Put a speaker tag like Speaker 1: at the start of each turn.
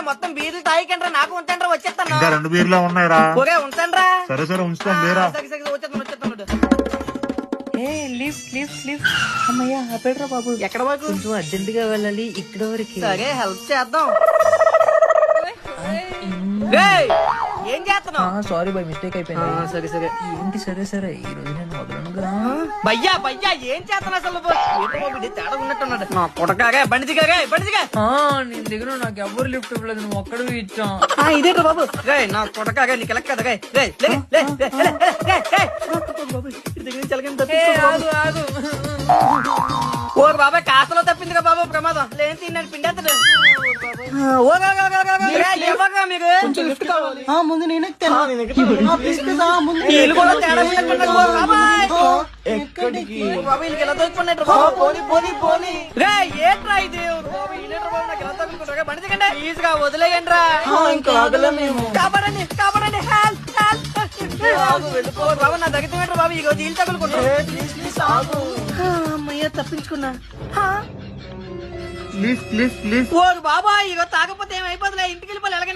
Speaker 1: మొత్తం బీర్లు తాగికండ్రా, నాకు ఉంచండ్రా, వచ్చేస్తాను.
Speaker 2: ఇంకా 2 బీర్లే ఉన్నాయిరా.
Speaker 1: ఒరే ఉంచండ్రా.
Speaker 2: సరే సరే ఉంచుతాం లేరా.
Speaker 1: వచ్చేస్తాను.
Speaker 3: అమ్మయ్యా ఆపేట్రా బాబు.
Speaker 1: ఎక్కడ వరకు?
Speaker 3: కొంచెం అర్జెంట్ గా వెళ్ళాలి, ఇక్కడ వరకు.
Speaker 1: సరే హెల్ప్ చేద్దాం. రేయ్, ఏం చేస్తున్నావు?
Speaker 3: సారీ బాయ్, మిస్టేక్ అయిపోయింది.
Speaker 1: సరే సరే.
Speaker 3: ఏంటి సరే సరే, ఈ రోజు నేను వదలనుగా.
Speaker 1: భయ్యా ఏం చేస్తున్నా అసలు? తేడా ఉన్నట్టున్నాడు. నా కొడకాగా బండి దిగాగా.
Speaker 3: నీ దగ్గర నాకు ఎవరు లిఫ్ట్ ఇవ్వలేదు, నువ్వు ఒక్కడు ఇచ్చా.
Speaker 1: ఇదేంట్రా బాబు? రే నా కొడకాగా, నీకు లెక్క కదా. ఓ బాబాయ్, కాస్తలో తప్పిందిగా బాబు ప్రమాదం. లేని తిన్నాడు పిండేస్తాడు.
Speaker 4: ముందు నేను ఎక్కడికి
Speaker 1: ఏట్రా ఇది? బండి దిగండి, ఈజీగా వదిలేయండి రా.
Speaker 4: ఇంకా ఆగలే మేము.
Speaker 1: కాపాడండి. వెళ్ళిపోరు బాబు, నా దగ్గర బాబు. ఇగో జీలు తగులుకుంటా. అమ్మయ్య తప్పించుకున్నా.
Speaker 2: Please please please.
Speaker 1: ఓ బాబా, ఇగో తాగపోతే ఏమైపోతులే, ఇంటికి వెళ్ళిపోలే.